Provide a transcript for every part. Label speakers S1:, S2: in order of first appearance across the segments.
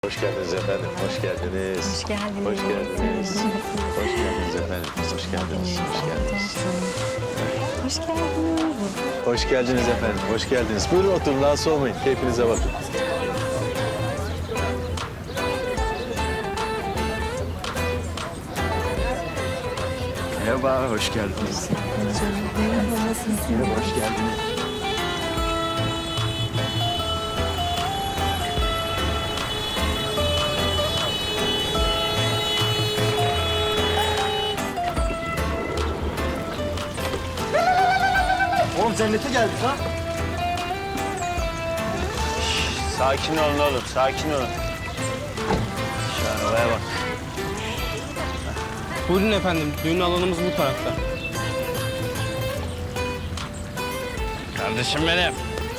S1: Hoş geldiniz efendim, hoş geldiniz.
S2: Hoş geldiniz.
S1: Hoş geldiniz. Hoş geldiniz efendim, hoş geldiniz, hoş geldiniz.
S2: Hoş geldiniz.
S1: Hoş geldiniz efendim, hoş geldiniz. Buyurun oturun, rahatsız olmayın. Keyfinize bakın. Merhaba, hoş geldiniz.
S2: Merhaba, nasılsınız?
S1: Hoş geldiniz.
S3: Oğlum cennete geldik ha.
S4: Sakin olun oğlum, sakin olun. Şu arabaya bak.
S5: Buyurun efendim, düğün alanımız bu tarafta.
S4: Kardeşim benim.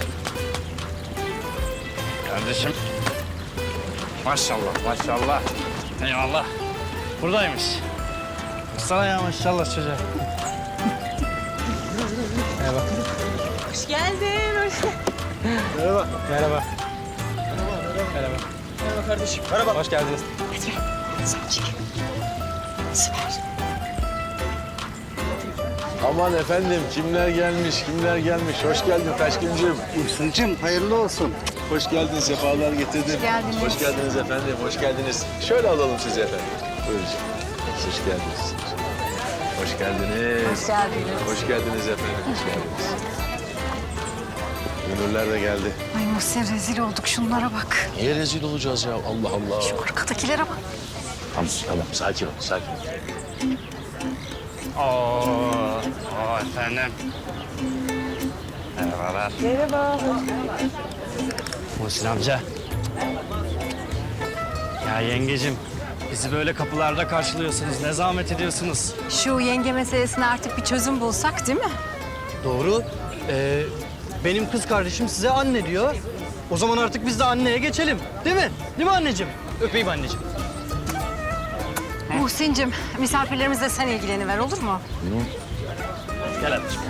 S4: Kardeşim. Maşallah, maşallah. Eyvallah. Buradaymış. Sana ya maşallah çocuğa.
S2: Hoş geldin.
S5: Merhaba. Merhaba. Merhaba.
S3: Merhaba kardeşim. Merhaba.
S5: Hoş geldiniz.
S1: Aman efendim, kimler gelmiş, kimler gelmiş. Hoş geldin Taşkıncığım.
S3: Hüsnü'cüm hayırlı olsun.
S1: Hoş geldin, sefalar getirdin.
S2: Hoş geldiniz.
S1: Hoş geldiniz efendim, hoş geldiniz. Şöyle alalım sizi efendim. Buyurun. Hoş geldiniz. Hoş geldiniz.
S2: Hoş geldiniz.
S1: Hoş geldiniz efendim, hoş geldiniz. Gönüller de geldi.
S2: Ay Muhsin rezil olduk şunlara bak.
S1: Niye rezil olacağız ya? Allah Allah.
S2: Şu arkadakilere bak.
S1: Tamam, tamam. Sakin ol, sakin ol.
S4: Oo efendim. Merhabalar.
S2: Merhaba.
S4: Muhsin amca. Ya yengecim, bizi böyle kapılarda karşılıyorsunuz. Ne zahmet ediyorsunuz.
S2: Şu yenge meselesine artık bir çözüm bulsak değil mi?
S3: Doğru. Benim kız kardeşim size anne diyor. O zaman artık biz de anneye geçelim. Değil mi? Değil mi anneciğim? Öpeyim anneciğim.
S2: Muhsin'cim misafirlerimizle sen ilgileniver olur mu?
S4: Gel anneciğim.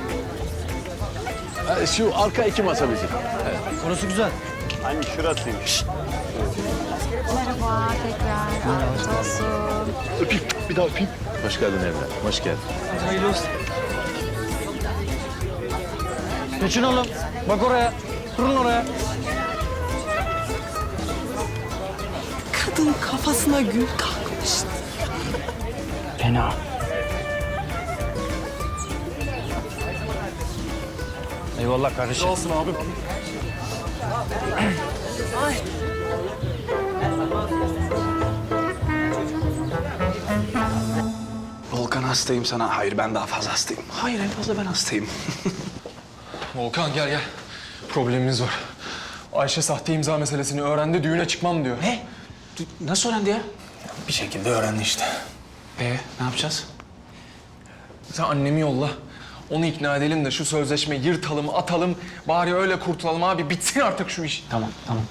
S1: Şu arka iki masa bizim.
S3: Orası güzel.
S4: Hani şurasıymış.
S2: Merhaba tekrar. Afiyet olsun.
S1: Öpeyim, bir daha öpeyim. Hoş geldin evlat, hoş geldin.
S3: Hayırlı olsun. Geçin oğlum. Bak oraya. Durun oraya.
S6: Kadın kafasına gül kalkmış.
S4: Fena. Eyvallah kardeşim.
S3: Olsun abi.
S7: Volkan hastayım sana. Hayır ben daha fazla hastayım. Hayır en fazla ben hastayım.
S8: Volkan gel gel. Problemimiz var. Ayşe sahte imza meselesini öğrendi, düğüne çıkmam diyor.
S7: Ne? Nasıl öğrendi ya? Bir şekilde öğrendi işte. Ne yapacağız?
S8: Sen annemi yolla. Onu ikna edelim de şu sözleşmeyi yırtalım, atalım. Bari öyle kurtulalım abi. Bitsin artık şu iş.
S7: Tamam tamam.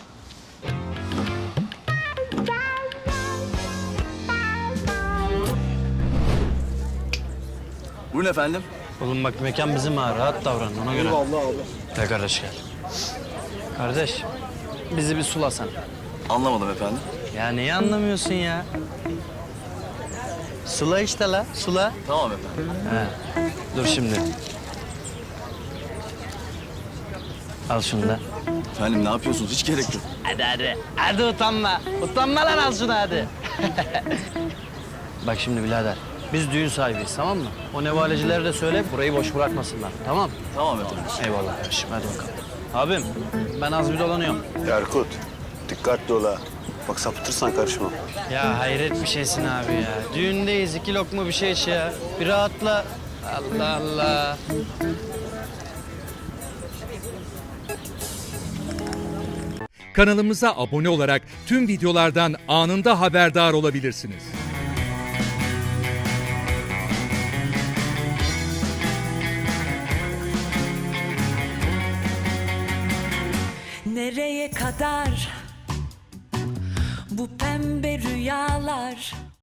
S3: Buyurun efendim.
S4: Oğlum bak mekan bizim ha. Rahat davran ona göre.
S3: Vallahi abi.
S4: Gel kardeş gel. Kardeş bizi bir sulasan.
S3: Anlamadım efendim.
S4: Ya neyi anlamıyorsun ya? Sula işte la, sula.
S3: Tamam efendim.
S4: Dur şimdi. Al şunu da.
S3: Efendim ne yapıyorsunuz? Hiç gerek yok.
S4: Hadi hadi. Hadi utanma. Utanma lan al şunu hadi. Bak şimdi birader. Biz düğün sahibiyiz tamam mı? O nevalecilere de söyle burayı boş bırakmasınlar tamam mı?
S3: Tamam efendim.
S4: Eyvallah kardeşim hadi bakalım. Abim ben az bir dolanıyorum.
S9: Erkut, dikkatli ol ha. Bak sapıtırsan karışma.
S4: Ya hayret bir şeysin abi ya. Düğündeyiz 2 lokma bir şey iç ya. Bir rahatla. Allah Allah.
S10: Kanalımıza abone olarak tüm videolardan anında haberdar olabilirsiniz.
S6: Nereye kadar bu pembe rüyalar?